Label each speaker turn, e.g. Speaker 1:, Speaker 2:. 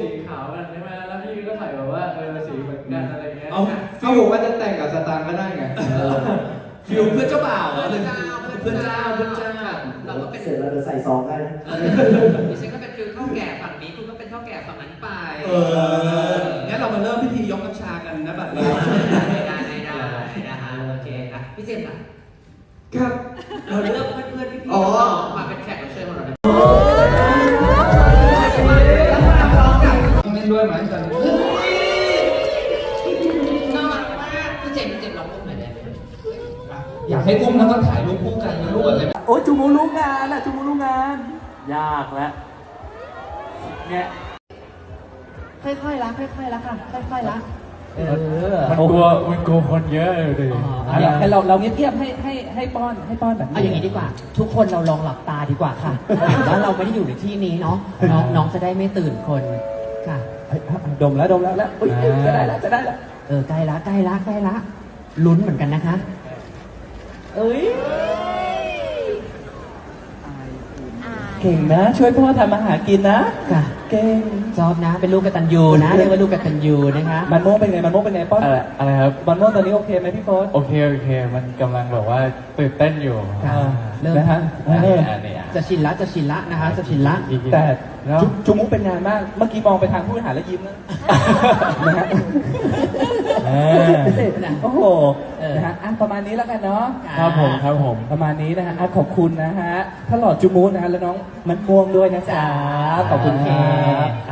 Speaker 1: สีขาวกันใช่ไหมแล้วพี่ก็ใส่แบบว่าสีเหมือนกันอะไรเงี้ย
Speaker 2: เขาบอกว่าจะแต่งกับสตางค์ก็ได้ไง
Speaker 3: ฟิลเพื่อนเจ้าบ่าวเหรอเลยเพื่อนเจ้า
Speaker 4: เราก็เป็นเสร็จเราจะใส่ซองได้นะ
Speaker 3: ดิฉันก็เป็นฟิลเท่าแก่ฝั่งนี้คุณก็เป็นเท่าแก่ฝั่งนั้นไปงั้นเรามาเริ่มพิธียกน้ำชากันนะบัดนี้ได้นะฮะโอเคนะพี่เจมส์อ่ะ
Speaker 2: ครับ
Speaker 3: เราเลือกเพื่อนๆพี่มาเป็นแขกรับเชิญของเรา
Speaker 2: ต้องเล่นด้วยไหมจัน
Speaker 3: น่ารักมากพี่เจมส์ลองอุ้มหน่อยได้ไหม
Speaker 2: อยากให้อุ้มแล้วก็ถ่ายรูปคู่กันนะลูกอะไร
Speaker 1: โอ้จูมูรู้งานอะจูมูรู้งานยากแล้วเนี่ย
Speaker 5: ค่อยๆละค่อยๆละค่ะค่อยๆละ
Speaker 1: มันกลัวคนเยอะเลยดิให้เราเงียบๆให้ป้อนแบบ
Speaker 5: เอาอย่างนี้ดีกว่าทุกคนเราลองหลับตาดีกว่าค่ะแล้วเราไม่ได้อยู่ในที่นี้เนาะน้องจะได้ไม่ตื่นคนค่ะ
Speaker 1: ดมแล้วจะได้แล้ว
Speaker 5: ใกล้ละลุ้นเหมือนกันนะคะ
Speaker 1: เก่งนะช่วยพ่อทำอาหารกินนะ
Speaker 5: ค่ะ
Speaker 1: เก่ง
Speaker 5: ชอบนะเป็นลูกกตัญญูนะเรียกว่าลูกกตัญญูนะคะ
Speaker 1: มันโม่เป็นไงป้อนอะไรครับมันโม่ตอนนี้โอเคไหมพี่โค้ชโอเคมันกำลังแบบว่าตื่นเต้นอยู่
Speaker 5: เริ่ม
Speaker 1: นะฮะ
Speaker 5: จะชินละนะคะจะชินละ
Speaker 1: แต่จุมุกเป็นงานมากเมื่อกี้มองไปทางผู้บริหารแล้วยิ้มนะฮะโอ้โหนะฮะประมาณนี้แล้วกันเนาะครับผมประมาณนี้นะฮะขอบคุณนะฮะถ้าหลอดจุมุกนะฮะแล้วน้องมันม่วงด้วยนะจ๊ะขอบคุณครับ